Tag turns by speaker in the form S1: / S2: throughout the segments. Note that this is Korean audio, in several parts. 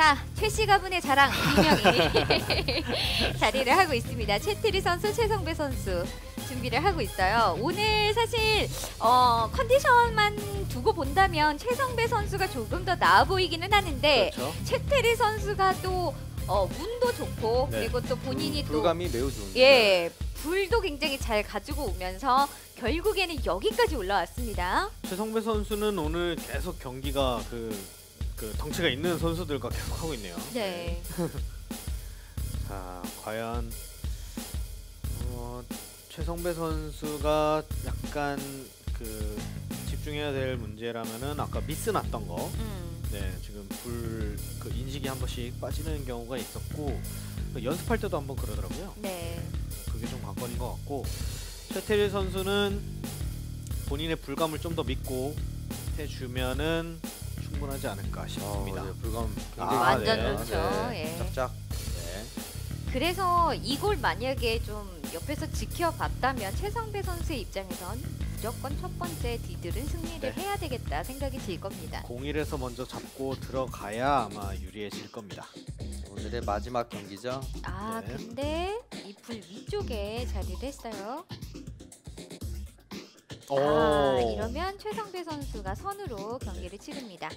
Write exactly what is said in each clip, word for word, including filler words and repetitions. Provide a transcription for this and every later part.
S1: 자, 최씨 가문의 자랑 이명이 자리를 하고 있습니다. 최태리 선수, 최성배 선수 준비를 하고 있어요. 오늘 사실 어, 컨디션만 두고 본다면 최성배 선수가 조금 더 나아 보이기는 하는데
S2: 그렇죠.
S1: 최태리 선수가 또 어, 운도 좋고
S2: 네.
S1: 그리고 또 본인이
S3: 음,
S1: 또
S3: 불감이 매우 좋은.
S1: 예, 불도 굉장히 잘 가지고 오면서 결국에는 여기까지 올라왔습니다.
S2: 최성배 선수는 오늘 계속 경기가 그, 그 덩치가 있는 선수들과 계속 하고 있네요.
S1: 네.
S2: 자, 과연 어, 최성배 선수가 약간 그 집중해야 될 문제라면은 아까 미스 났던 거.
S1: 음.
S2: 네, 지금 불 그 인식이 한 번씩 빠지는 경우가 있었고 그 연습할 때도 한번 그러더라고요.
S1: 네.
S2: 그게 좀 관건인 것 같고 최태리 선수는 본인의 불감을 좀 더 믿고 해주면은 충분하지 않을까 싶습니다.
S3: 어, 네, 불감
S2: 아,
S3: 굉장히
S1: 완전
S2: 네.
S1: 좋죠. 예.
S3: 짝짝.
S2: 네.
S1: 그래서 이걸 만약에 좀 옆에서 지켜봤다면 최성배 선수의 입장에선 무조건 첫 번째 디들은 승리를
S2: 네.
S1: 해야 되겠다 생각이 들 겁니다.
S2: 공일에서 먼저 잡고 들어가야 아마 유리해질 겁니다.
S3: 오늘의 마지막 경기죠.
S1: 아
S2: 네.
S1: 근데 이 불 위쪽에 자리를 했어요.
S2: 오.
S1: 아 이러면 최성배 선수가 선으로 경기를 치릅니다.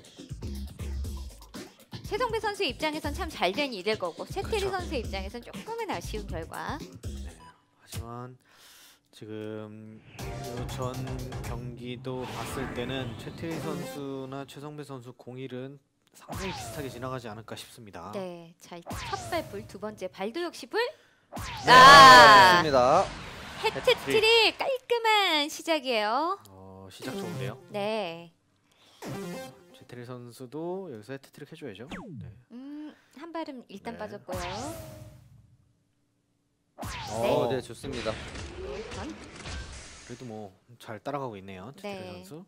S1: 최성배 선수의 입장에선 참 잘 된 일일 거고 최태리
S2: 그렇죠.
S1: 선수의 입장에선 조금은 아쉬운 결과.
S2: 네. 하지만 지금 전 경기도 봤을 때는 최태리 선수나 최성배 선수 공일은 상당히 비슷하게 지나가지 않을까 싶습니다.
S1: 네, 자 일단 첫 발불, 두 번째 발도 역시 불.
S2: 네.
S1: 아,
S3: 좋습니다.
S1: 해트트릭 깔끔한 시작이에요.
S2: 어, 시작 좋은데요.
S1: 네,
S2: 최태리 선수도 여기서 해트트릭 해줘야죠. 네.
S1: 음, 한 발은 일단
S2: 네.
S1: 빠졌고요.
S3: 어, 네, 좋습니다.
S1: 네, 번.
S2: 그래도 뭐 잘 따라가고 있네요. 최태리
S1: 네.
S2: 선수.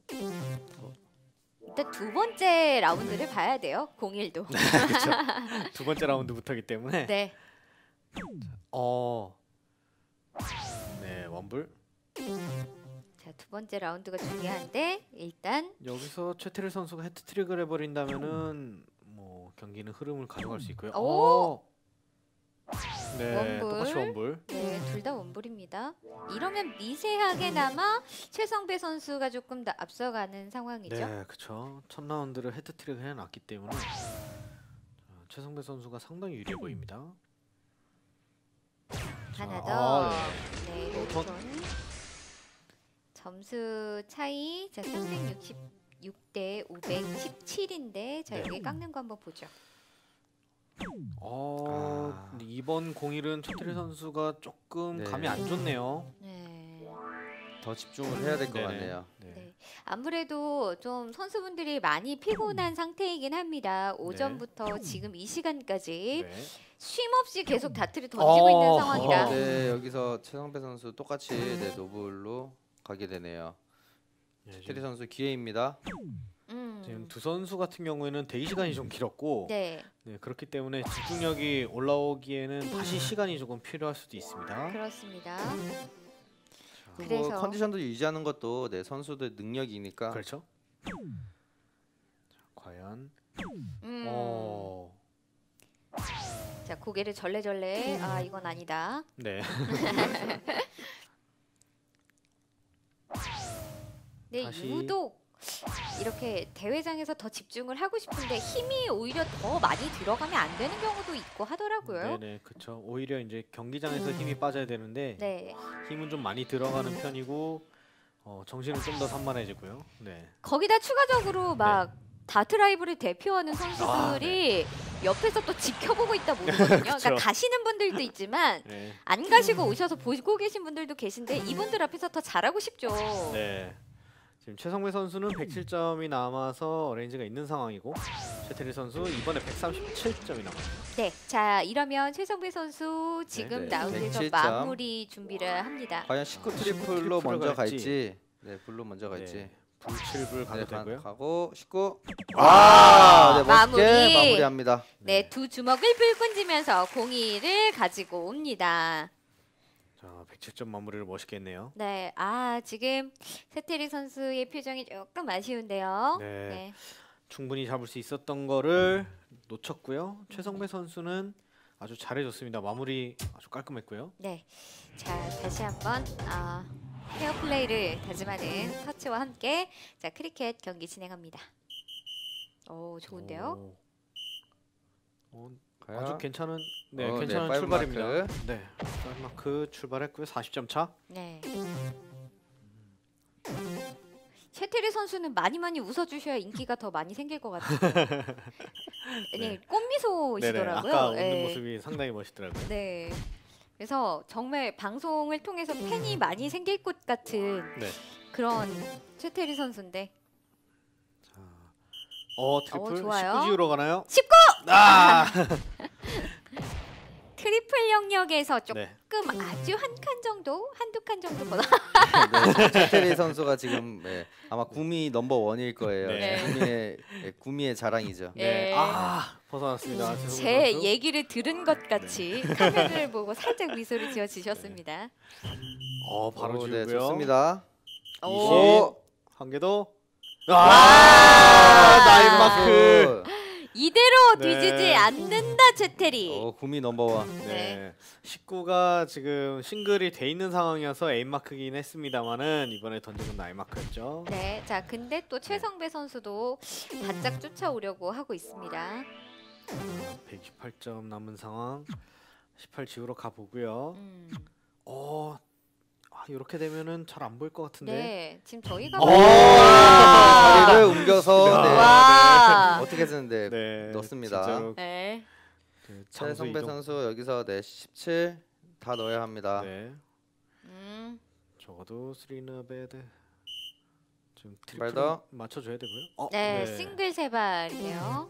S1: 일단 두 번째 라운드를 봐야 돼요. 공일도.
S2: 그렇죠. 두 번째 라운드부터기 때문에.
S1: 네,
S2: 어. 네, 원불.
S1: 자 두 번째 라운드가 중요한데 일단
S2: 여기서 최태리 선수가 해트트릭을 해버린다면은 뭐 경기는 흐름을 가져갈 수 있고요.
S1: 오!
S2: 어. 네,
S1: 원불.
S2: 똑같이 원불.
S1: 네, 둘 다 원불입니다. 이러면 미세하게나마 최성배 선수가 조금 더 앞서가는 상황이죠.
S2: 네, 그렇죠. 첫 라운드를 헤드트릭을 해놨기 때문에 자, 최성배 선수가 상당히 유리해 보입니다.
S1: 하나
S2: 자,
S1: 더.
S2: 아,
S1: 네,
S2: 로톤.
S1: 로톤. 점수 차이 자 삼백육십육 대 오백십칠인데 자
S2: 네.
S1: 여기 깎는 거 한번 보죠.
S2: 어,
S3: 아.
S2: 근데 이번 공일은 최태리 선수가 조금
S3: 네.
S2: 감이 안 좋네요.
S1: 네.
S3: 더 집중을 해야 될 것
S2: 네네.
S3: 같네요.
S2: 네.
S1: 네. 아무래도 좀 선수분들이 많이 피곤한 상태이긴 합니다. 오전부터 지금 이 시간까지
S2: 네.
S1: 쉼 없이 계속 다트를 던지고
S2: 어,
S1: 있는 상황이라.
S2: 어.
S3: 네, 여기서 최성배 선수 똑같이 네, 노블로 가게 되네요.
S2: 네,
S3: 테리
S2: 지금,
S3: 선수 기회입니다.
S1: 음.
S2: 지금 두 선수 같은 경우에는 대기 시간이 좀 길었고
S1: 네,
S2: 네, 그렇기 때문에 집중력이 올라오기에는 다시 시간이 조금 필요할 수도 있습니다.
S1: 그렇습니다.
S3: 그리고
S1: 그래서-
S3: 컨디션도 유지하는 것도 네, 선수들 능력이니까.
S2: 그렇죠. 자, 과연
S1: 음.
S2: 어,
S1: 자 고개를 절레절레. 아 이건 아니다.
S2: 네.
S1: 네,
S2: 다시-
S1: 유독 이렇게 대회장에서 더 집중을 하고 싶은데 힘이 오히려 더 많이 들어가면 안 되는 경우도 있고 하더라고요.
S2: 네네, 그렇죠. 오히려 이제 경기장에서 힘이 빠져야 되는데
S1: 네,
S2: 힘은 좀 많이 들어가는 편이고 어, 정신은 좀 더 산만해지고요. 네.
S1: 거기다 추가적으로 막 다트 라이브를 대표하는 선수들이 옆에서 또 지켜보고 있다 모르거든요. 그러니까
S2: 그쵸.
S1: 가시는 분들도 있지만
S2: 네.
S1: 안 가시고 오셔서 보고 계신 분들도 계신데 이분들 앞에서 더 잘하고 싶죠.
S2: 네. 지금 최성배 선수는 백칠 점이 남아서 레인지가 있는 상황이고 최태리 선수 이번에 백삼십칠 점이 남았네요.
S1: 네, 자 이러면 최성배 선수 지금
S3: 네,
S1: 라운드에서
S3: 백칠 점.
S1: 마무리 준비를 합니다.
S3: 과연 십구
S2: 아,
S3: 트리플로
S2: 트리플로
S3: 먼저
S2: 갈지.
S3: 갈지. 네, 불로 먼저 갈지.
S2: 네. 불칠불 가도
S3: 네, 가-
S2: 되고요.
S3: 가고 십구.
S2: 와!
S3: 네, 멋있게
S1: 마무리.
S3: 마무리합니다.
S1: 네, 두 주먹을 불끈 쥐면서 공이를 가지고 옵니다.
S2: 자, 백칠 점 마무리를 멋있게 했네요.
S1: 네, 아 지금 세테리 선수의 표정이 조금 아쉬운데요.
S2: 네.
S1: 네,
S2: 충분히 잡을 수 있었던 거를 놓쳤고요. 최성배 선수는 아주 잘해줬습니다. 마무리 아주 깔끔했고요.
S1: 네. 자, 다시 한번 아, 페어 플레이를 다짐하는 터치와 함께 자, 크리켓 경기 진행합니다. 오, 좋은데요?
S2: 오. 어,
S3: 과연?
S2: 아주 괜찮은 네,
S3: 어,
S2: 괜찮은
S3: 네,
S2: 출발입니다.
S3: 마크.
S2: 네. 파이브 마크 출발했고요. 사십 점 차.
S1: 네. 최태리 선수는 많이 많이 웃어주셔야 인기가 더 많이 생길 것 같아요. 네,
S2: 네.
S1: 꽃미소이시더라고요.
S2: 아까 웃는
S1: 네.
S2: 모습이 상당히 멋있더라고요.
S1: 네. 그래서 정말 방송을 통해서 팬이 많이 생길 것 같은
S2: 네.
S1: 그런 최태리 선수인데.
S2: 자, 어 트리플
S1: 어, 좋아요.
S2: 십구 지우러 가나요?
S1: 십구!
S2: 아!
S1: 트리플 영역에서 조금
S2: 네.
S1: 아주 한 칸 정도, 한두 칸 정도 보다.
S3: 네, 최태리 선수가 지금 네, 아마 구미 넘버 원일 거예요.
S2: 네.
S3: 구미의 네, 구미의 자랑이죠.
S2: 네.
S1: 네.
S2: 아, 벗어났습니다.
S1: 제
S2: 최성배 선수.
S1: 얘기를 들은 것 같이 카메라를 보고 살짝 미소를 지어 주셨습니다.
S2: 어, 바로
S3: 오,
S2: 지우고요.
S3: 네, 좋습니다.
S1: 오.
S2: 한 개 더.
S1: 와!
S2: 아! 나인 마크.
S1: 이대로
S2: 네.
S1: 뒤지지 않는다 최태리.
S3: 어, 구미 넘버 원.
S2: 네.
S1: 네.
S2: 십구가 지금 싱글이 돼 있는 상황이어서 에임 마크긴 했습니다만은 이번에 던진 건 나인 마크였죠.
S1: 네, 자 근데 또 최성배 선수도 바짝 쫓아오려고 하고 있습니다.
S2: 백이십팔 점 남은 상황. 십팔 지우러 가 보고요.
S1: 음.
S2: 어, 아, 이렇게 되면은 잘 안 보일 것 같은데.
S1: 네, 지금 저희가
S2: 오!
S1: 와!
S3: 자리를 옮겨서 네.
S1: 와!
S3: 어떻게 쓰는데
S2: 네,
S3: 넣습니다.
S2: 진짜로
S1: 네.
S2: 그 장소
S3: 최성배
S2: 이동.
S3: 선수 여기서 네 십칠 다 넣어야 합니다.
S2: 네,
S1: 음.
S2: 적어도 쓰리나 베드. 지금
S3: 발
S2: 트리플
S3: 더.
S2: 맞춰줘야 되고요. 어,
S1: 네, 싱글 세 발이에요.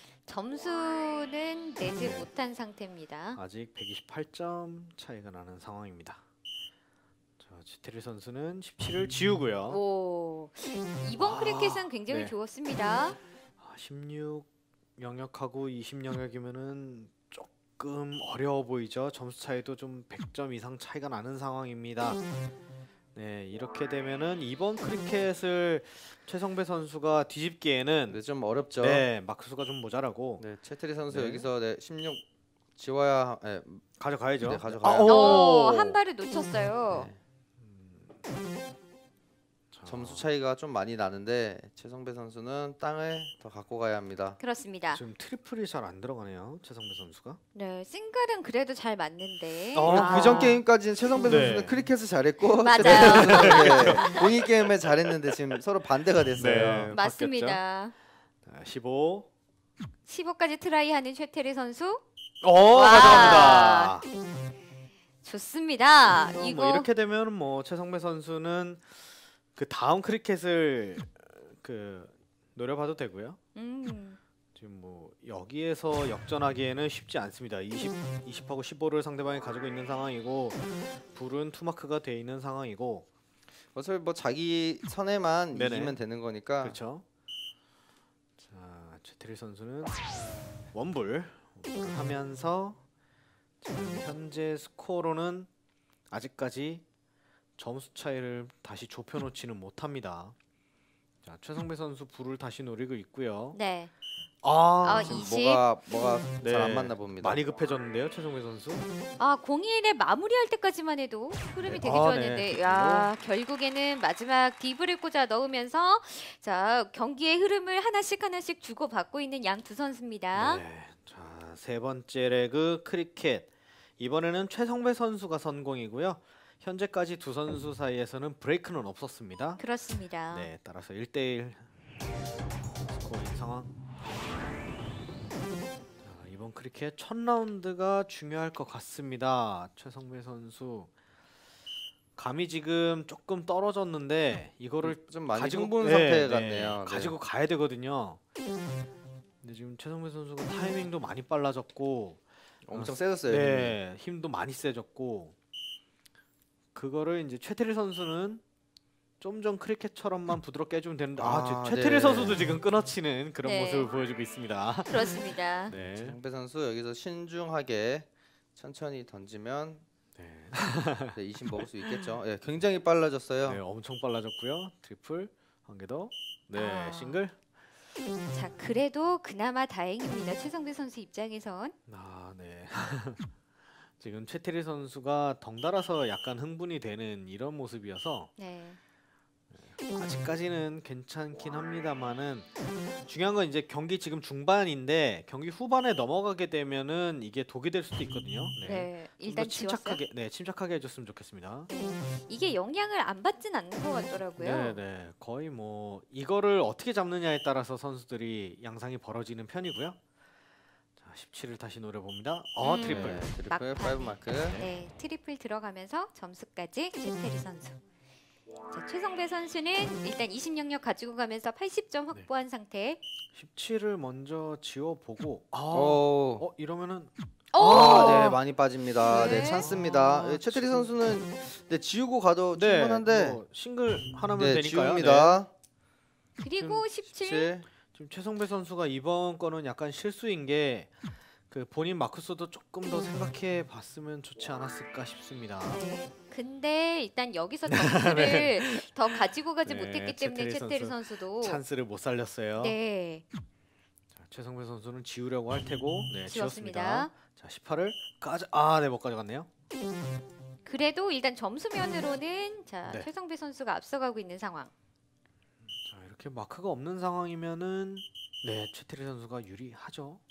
S1: 점수는 내지 못한 상태입니다.
S2: 아직 백이십팔 점 차이가 나는 상황입니다. 자, 지테리 선수는 십칠을 지우고요.
S1: 오, 이번
S2: 아,
S1: 크리켓은 굉장히
S2: 네.
S1: 좋았습니다.
S2: 아, 십육 영역하고 이십 영역이면은 조금 어려워 보이죠. 점수 차이도 좀 백 점 이상 차이가 나는 상황입니다. 네, 이렇게 되면은 이번 크리켓을 최성배 선수가 뒤집기에는
S3: 네, 좀 어렵죠.
S2: 네, 마크수가 좀 모자라고
S3: 네, 최태리 선수
S2: 네.
S3: 여기서 네, 십육 지워야 네,
S2: 가져가야죠.
S3: 네, 가져가야
S2: 아, 오!
S1: 오, 한 발을 놓쳤어요.
S3: 네,
S2: 자,
S3: 점수 차이가 좀 많이 나는데 최성배 선수는 땅을 더 갖고 가야 합니다.
S1: 그렇습니다.
S2: 지금 트리플이 잘 안 들어가네요. 최성배 선수가.
S1: 네, 싱글은 그래도 잘 맞는데.
S2: 어,
S1: 아,
S3: 그전 게임까지는 최성배
S2: 네.
S3: 선수는 크리켓을 잘했고
S1: 맞아요.
S3: 최태리 선수는 네, 공이 게임을 잘했는데 지금 서로 반대가 됐어요.
S2: 네.
S1: 맞습니다.
S2: 자, 십오.
S1: 십오까지 트라이하는 최태리 선수.
S2: 오,
S1: 와.
S2: 가져갑니다.
S1: 좋습니다.
S2: 뭐
S1: 이거
S2: 이렇게 되면 뭐 최성배 선수는 그 다음 크리켓을 그 노려봐도 되고요.
S1: 음,
S2: 지금 뭐 여기에서 역전하기에는 쉽지 않습니다. 이십, 이십하고 십오를 상대방이 가지고 있는 상황이고 불은 투마크가 돼 있는 상황이고
S3: 어차피 뭐 자기 선에만
S2: 네네.
S3: 이기면 되는 거니까.
S2: 그렇죠. 자, 최태리 선수는 원불 원불을 하면서 지금 현재 스코어로는 아직까지 점수 차이를 다시 좁혀놓지는 못합니다. 자, 최성배 선수 불을 다시 노리고 있고요.
S1: 네.
S2: 아,
S1: 아,
S3: 지금
S1: 이십.
S3: 뭐가 뭐가
S2: 네.
S3: 잘 안 맞나 봅니다.
S2: 많이 급해졌는데요, 최성배 선수.
S1: 아, 공일에 마무리할 때까지만 해도 흐름이
S2: 네.
S1: 되게
S2: 아,
S1: 좋았는데
S2: 네.
S1: 야, 결국에는 마지막 디브를 꽂아 넣으면서 자, 경기의 흐름을 하나씩 하나씩 주고받고 있는 양 두 선수입니다.
S2: 네. 자, 세 번째 레그 크리켓. 이번에는 최성배 선수가 선공이고요. 현재까지 두 선수 사이에서는 브레이크는 없었습니다.
S1: 그렇습니다.
S2: 네, 따라서 일 대 일 스코어인 상황. 자, 이번 크리켓 첫 라운드가 중요할 것 같습니다. 최성배 선수 감이 지금 조금 떨어졌는데 이거를
S3: 좀 많이
S2: 가지고
S3: 흥분
S2: 네,
S3: 상태
S2: 네,
S3: 같네요. 네.
S2: 가지고 가야 되거든요. 근데 지금 최성배 선수가 타이밍도 많이 빨라졌고
S3: 엄청 세졌어요. 힘이.
S2: 네, 힘도 많이 세졌고 그거를 이제 최태리 선수는 좀 전 크리켓처럼만 부드럽게 해주면 되는데 아,
S3: 아,
S2: 지금 최태리
S3: 네.
S2: 선수도 지금 끊어치는 그런
S1: 네.
S2: 모습을 보여주고 있습니다.
S1: 그렇습니다.
S2: 네,
S3: 최성배 선수 여기서 신중하게 천천히 던지면
S2: 네,
S3: 네, 이십 먹을 수 있겠죠. 예, 굉장히 빨라졌어요.
S2: 네, 엄청 빨라졌고요. 트리플 한 개 더, 네,
S1: 아.
S2: 싱글.
S1: 자, 그래도 그나마 다행입니다. 최성배 선수 입장에선.
S2: 아, 네. 지금 최태리 선수가 덩달아서 약간 흥분이 되는 이런 모습이어서
S1: 네.
S2: 아직까지는 괜찮긴 합니다만은 중요한 건 이제 경기 지금 중반인데 경기 후반에 넘어가게 되면은 이게 독이 될 수도 있거든요. 네.
S1: 네.
S2: 좀
S1: 일단
S2: 더
S1: 지웠어요.
S2: 침착하게, 네, 침착하게 해줬으면 좋겠습니다.
S1: 네. 이게 영향을 안 받진 않는 것 같더라고요.
S2: 네, 네, 거의 뭐 이거를 어떻게 잡느냐에 따라서 선수들이 양상이 벌어지는 편이고요. 자, 십칠을 다시 노려봅니다. 어,
S1: 음.
S2: 트리플.
S3: 네, 트리플
S1: 막판에.
S3: 파이브 마크.
S1: 네, 트리플 들어가면서 점수까지 최태리 선수. 자, 최성배 선수는 일단 이십 영역 가지고 가면서 팔십 점
S2: 네.
S1: 확보한 상태.
S2: 십칠을 먼저 지워보고 아,
S3: 오.
S2: 어 이러면은
S1: 오!
S3: 아, 네, 많이 빠집니다. 네,
S1: 네.
S3: 찬스입니다.
S2: 아,
S3: 네, 최태리
S2: 지금-
S3: 선수는 네, 지우고 가도
S2: 네,
S3: 충분한데
S2: 뭐 싱글 하나면
S3: 네,
S2: 되니까요. 네.
S3: 지웁니다.
S1: 그리고 십칠.
S3: 십칠.
S2: 지금 최성배 선수가 이번 거는 약간 실수인 게 그 본인 마크스도 조금 더 생각해 봤으면 좋지 않았을까 싶습니다.
S1: 네. 근데 일단 여기서 점수를 더 가지고 가지
S2: 네,
S1: 못했기 때문에
S2: 최태리
S1: 최태리
S2: 선수
S1: 선수도
S2: 찬스를 못 살렸어요.
S1: 네,
S2: 자, 최성배 선수는 지우려고 할 테고 네, 지웠습니다.
S1: 지웠습니다.
S2: 자, 십팔을 가져 아, 네, 못 가져갔네요.
S1: 그래도 일단 점수면으로는 자
S2: 네.
S1: 최성배 선수가 앞서가고 있는 상황.
S2: 자, 이렇게 마크가 없는 상황이면은 네, 최태리 선수가 유리하죠.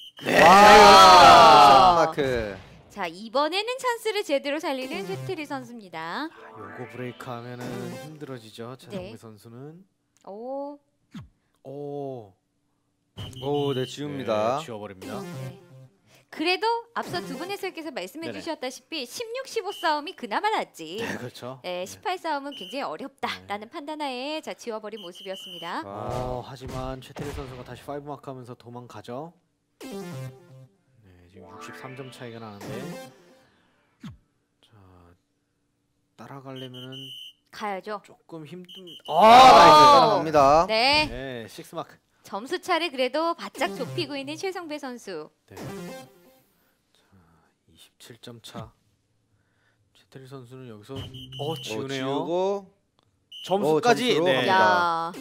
S3: 와, 마크.
S1: 자 이번에는 찬스를 제대로 살리는 최태리 선수입니다.
S2: 아, 요거 브레이크 하면은 힘들어지죠. 최성배
S1: 네.
S2: 선수는.
S1: 오,
S2: 오.
S3: 오, 네, 지웁니다.
S2: 네, 지워버립니다.
S1: 네. 그래도 앞서 두 분 해설께서 말씀해
S2: 네네.
S1: 주셨다시피 십육, 십오 싸움이 그나마 낫지.
S2: 네, 그렇죠.
S1: 네, 십팔 싸움은 굉장히 어렵다라는
S2: 네.
S1: 판단하에 자 지워버린 모습이었습니다.
S2: 어, 하지만 최태리 선수가 다시 파이브 마크 하면서 도망가죠. 네, 지금 육십삼 점 차이가 나는데 자, 따라가려면은
S1: 가야죠.
S2: 조금 힘든
S3: 아,
S1: 오!
S3: 나이스. 따라갑니다.
S1: 네,
S2: 네, 식스 마크.
S1: 점수 차를 그래도 바짝 좁히고 있는 최성배 선수.
S2: 네. 자, 이십칠 점 차. 최태리 선수는 여기서 어,
S3: 어,
S2: 지우네요.
S3: 지우고
S2: 점수까지.
S3: 어, 점수로
S2: 네.
S1: 야,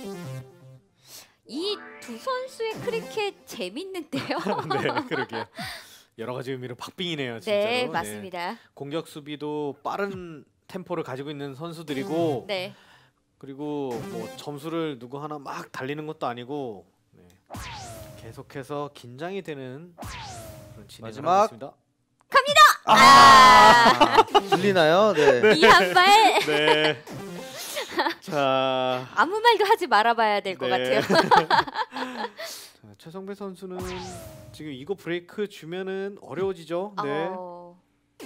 S1: 이 두 선수의 크리켓 재밌는데요.
S2: 네, 그러게요. 여러 가지 의미로 박빙이네요, 진짜로.
S1: 네, 맞습니다.
S2: 공격 수비도 빠른 템포를 가지고 있는 선수들이고
S1: 네,
S2: 그리고 뭐 점수를 누구 하나 막 달리는 것도 아니고 네. 계속해서 긴장이 되는 그런 진행을
S3: 마지막.
S2: 하고 있습니다.
S1: 아,
S3: 들리나요? 네.
S1: 이 한 발
S2: 네. 자,
S1: 아무 말도 하지 말아봐야 될 것
S2: 네.
S1: 같아요.
S2: 자, 최성배 선수는 지금 이거 브레이크 주면은 어려워지죠. 네.
S1: 어,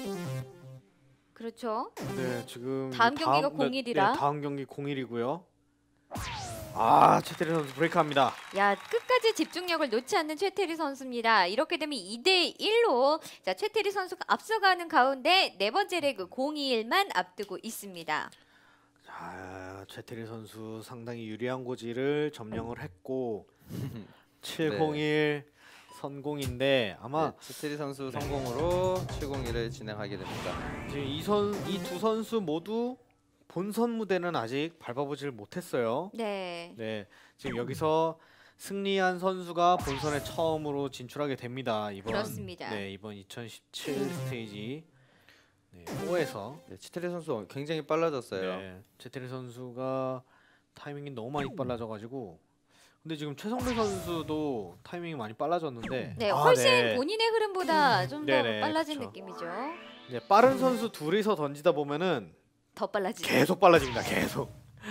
S1: 그렇죠.
S2: 네, 지금
S1: 다음 경기가
S2: 네,
S1: 공일이라.
S2: 네, 다음 경기 공일이고요. 아, 최태리 선수 브레이크합니다.
S1: 야, 끝까지 집중력을 놓지 않는 최태리 선수입니다. 이렇게 되면 이 대 일로 자 최태리 선수가 앞서가는 가운데 네 번째 레그 공이일만 앞두고 있습니다.
S2: 자, 최태리 선수 상당히 유리한 고지를 점령을 했고 칠공일 선공인데 아마
S3: 네, 최태리 선수 성공으로 칠공일을 진행하게 됩니다.
S2: 지금 이선 이 두 선수 모두 본선 무대는 아직 밟아보질 못했어요.
S1: 네.
S2: 네, 지금 여기서 승리한 선수가 본선에 처음으로 진출하게 됩니다. 이번
S1: 그렇습니다.
S2: 네, 이번 이천십칠 스테이지 네, 사에서
S3: 네, 최태리 선수 굉장히 빨라졌어요.
S2: 네, 최태리 선수가 타이밍이 너무 많이 빨라져가지고 근데 지금 최성배 선수도 타이밍이 많이 빨라졌는데
S1: 네,
S2: 아,
S1: 훨씬
S2: 네.
S1: 본인의 흐름보다 좀 더
S2: 네네,
S1: 빨라진
S2: 그쵸.
S1: 느낌이죠.
S2: 네, 빠른 선수 둘이서 던지다 보면은
S1: 더 빨라지죠.
S2: 계속 빨라집니다. 계속.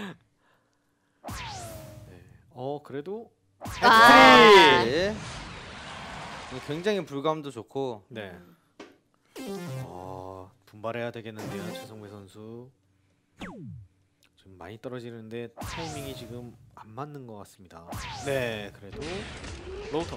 S2: 네. 어 그래도
S1: 아.
S3: 네. 굉장히 불감도 좋고
S2: 네. 어, 분발해야 되겠는데요, 최성배 선수. 지금 많이 떨어지는데 타이밍이 지금 안 맞는 것 같습니다. 네, 그래도 로우턴.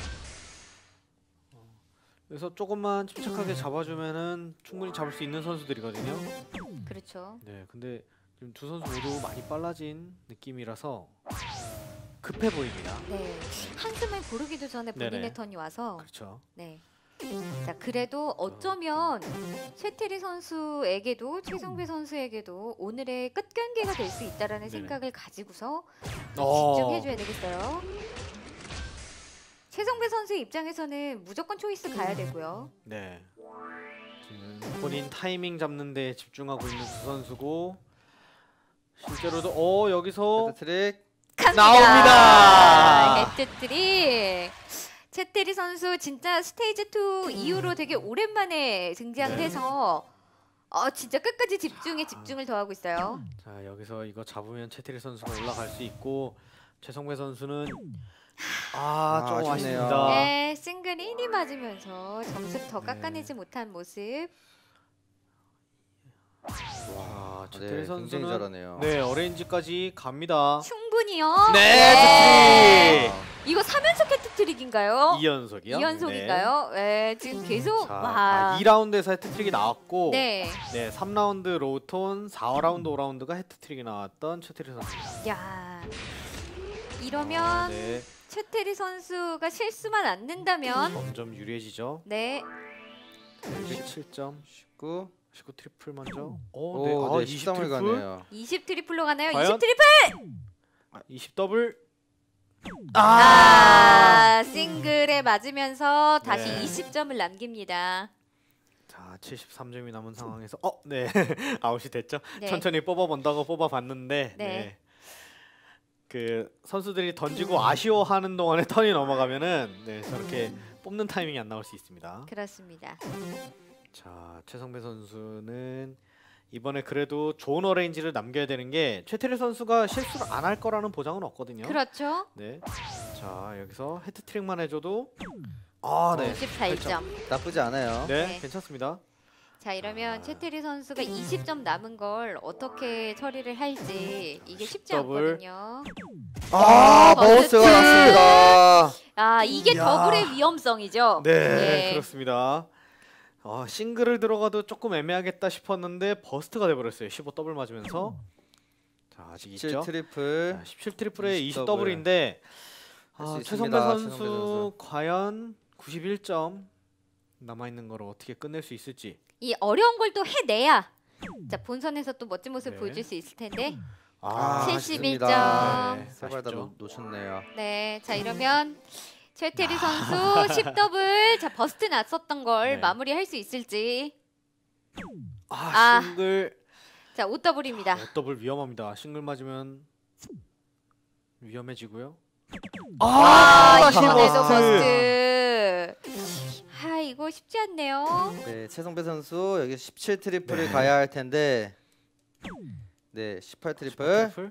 S2: 어, 그래서 조금만 침착하게 잡아주면은 충분히 잡을 수 있는 선수들이거든요.
S1: 그렇죠.
S2: 네, 근데 지금 두 선수 모두 많이 빨라진 느낌이라서 급해 보입니다.
S1: 네. 한숨을 고르기도 전에 본인의
S2: 네네.
S1: 턴이 와서
S2: 그렇죠.
S1: 네. 자, 그래도 어쩌면 최태리 선수에게도 최성배 선수에게도 오늘의 끝 경기가 될 수 있다라는
S2: 네네.
S1: 생각을 가지고서
S2: 어.
S1: 집중해 줘야 되겠어요. 최성배 선수 입장에서는 무조건 초이스 가야 되고요.
S2: 네. 지금 본인 타이밍 잡는 데 집중하고 있는 두 선수고 실제로도 어 여기서
S3: 헤드트릭.
S1: 갑니다.
S2: 나옵니다.
S1: 헤트트릭. 채테리 선수 진짜 스테이지 투 이후로 되게 오랜만에 등장을
S2: 네.
S1: 해서 어 진짜 끝까지 집중에 집중을 더하고 있어요.
S2: 자 여기서 이거 잡으면 채태리 선수가 올라갈 수 있고 최성배 선수는 아
S3: 아,
S2: 조금
S3: 아쉽네요.
S2: 아쉽니다.
S1: 네, 싱글 일이 맞으면서 점수를 더
S2: 네.
S1: 깎아내지 못한 모습.
S2: 와
S3: 네,
S2: 채태리
S3: 굉장히
S2: 선수는
S3: 잘하네요.
S2: 네 어레인지까지 갑니다.
S1: 충분히요.
S2: 네,
S1: 이거 삼 연속 헤트트릭인가요?
S2: 이 연속이요?
S1: 이 연속인가요? 네. 지금 계속
S2: 자,
S1: 와.
S2: 아, 이 라운드에서 헤트트릭이 나왔고
S1: 네.
S2: 네, 삼 라운드 로톤, 사 라운드, 오 라운드가 헤트트릭이 나왔던 최태리 선수입니다.
S1: 야. 이러면
S2: 아, 네,
S1: 최태리 선수가 실수만 안 낸다면
S2: 점점 유리해지죠.
S1: 네.
S2: 이백칠 점,
S3: 십구.
S2: 십구 트리플 먼저. 오,
S3: 오,
S2: 네, 아,
S3: 네,
S2: 이십
S3: 십삼을
S2: 트리플,
S3: 가네요.
S1: 이십 트리플로 가나요?
S2: 과연?
S1: 이십 트리플.
S2: 아, 이십 더블.
S1: 아, 싱글에 맞으면서 다시
S2: 네.
S1: 이십 점을 남깁니다.
S2: 자, 칠십삼 점이 남은 상황에서 어, 네, 아웃이 됐죠.
S1: 네.
S2: 천천히 뽑아본다고 뽑아봤는데,
S1: 네.
S2: 네. 그 선수들이 던지고 아쉬워하는 동안에 턴이 넘어가면은 네, 저렇게 뽑는 타이밍이 안 나올 수 있습니다.
S1: 그렇습니다.
S2: 자, 최성배 선수는 이번에 그래도 좋은 어레인지를 남겨야 되는 게 최태리 선수가 실수를 안 할 거라는 보장은 없거든요.
S1: 그렇죠.
S2: 네. 자, 여기서 헤트트릭만 해줘도 아, 네.
S1: 이십팔 점.
S3: 나쁘지 않아요.
S2: 네,
S1: 네.
S2: 괜찮습니다.
S1: 자, 이러면
S2: 아.
S1: 최태리 선수가 이십 점 남은 걸 어떻게 처리를 할지 이게 쉽지
S2: 더블.
S1: 않거든요.
S3: 아,
S1: 버스트.
S3: 버스가 났습니다.
S1: 아, 이게
S2: 이야.
S1: 더블의 위험성이죠.
S2: 네,
S1: 네.
S2: 그렇습니다. 아, 싱글을 들어가도 조금 애매하겠다 싶었는데 버스트가 돼버렸어요. 십오 더블 맞으면서. 자, 아직
S3: 십칠
S2: 있죠.
S3: 트리플.
S2: 자, 십칠 트리플에
S3: 이십
S2: 이십 더블인데
S3: 할수
S2: 아,
S3: 있습니다,
S2: 최성배 선수,
S3: 최성배 선수.
S2: 과연 구십일 점 남아 있는 걸 어떻게 끝낼 수 있을지.
S1: 이 어려운 걸 또 해내야 자, 본선에서 또 멋진 모습
S2: 네.
S1: 보여줄 수 있을 텐데.
S3: 아,
S1: 칠십일
S3: 아쉽습니다.
S1: 점.
S2: 네,
S3: 세발 다
S2: 아쉽죠.
S3: 놓- 놓쳤네요.
S1: 네, 자 이러면 최태리 선수 십 더블 자 버스트 났었던 걸
S2: 네.
S1: 마무리할 수 있을지.
S2: 아,
S1: 아.
S2: 싱글
S1: 자, 오 더블입니다.
S2: 오 더블 위험합니다. 싱글 맞으면 위험해지고요.
S1: 아,
S2: 다시
S1: 이번에도
S2: 버스트.
S1: 버스트. 아, 이거 쉽지 않네요.
S3: 네, 최성배 선수 여기 십칠 트리플을
S2: 네.
S3: 가야 할 텐데. 네, 십팔 트리플.
S2: 트리플?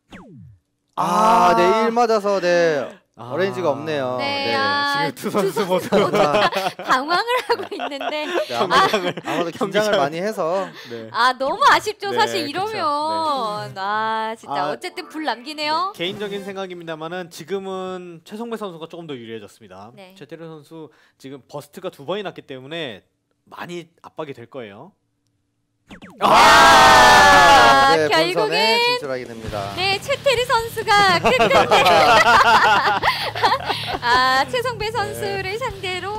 S3: 아, 네, 일 맞아서 네.
S2: 아.
S3: 어레인지가 없네요.
S1: 네,
S3: 네.
S1: 아,
S2: 지금 두 선수 모두
S3: 아,
S1: 당황을 하고 있는데
S3: 네, 아마, 아마도 긴장을 많이 해서
S2: 네.
S1: 아, 너무 아쉽죠.
S2: 네,
S1: 사실
S2: 그쵸.
S1: 이러면 아, 진짜
S2: 아,
S1: 어쨌든 불 남기네요.
S2: 네, 개인적인 생각입니다만은 지금은 최성배 선수가 조금 더 유리해졌습니다.
S1: 네.
S2: 최태리 선수 지금 버스트가 두 번이 났기 때문에 많이 압박이 될 거예요.
S1: 아,
S3: 네,
S1: 결국엔
S3: 본선에 진출하게 됩니다.
S1: 네, 최태리 선수가 끝끝내 아, 최성배 선수를 상대로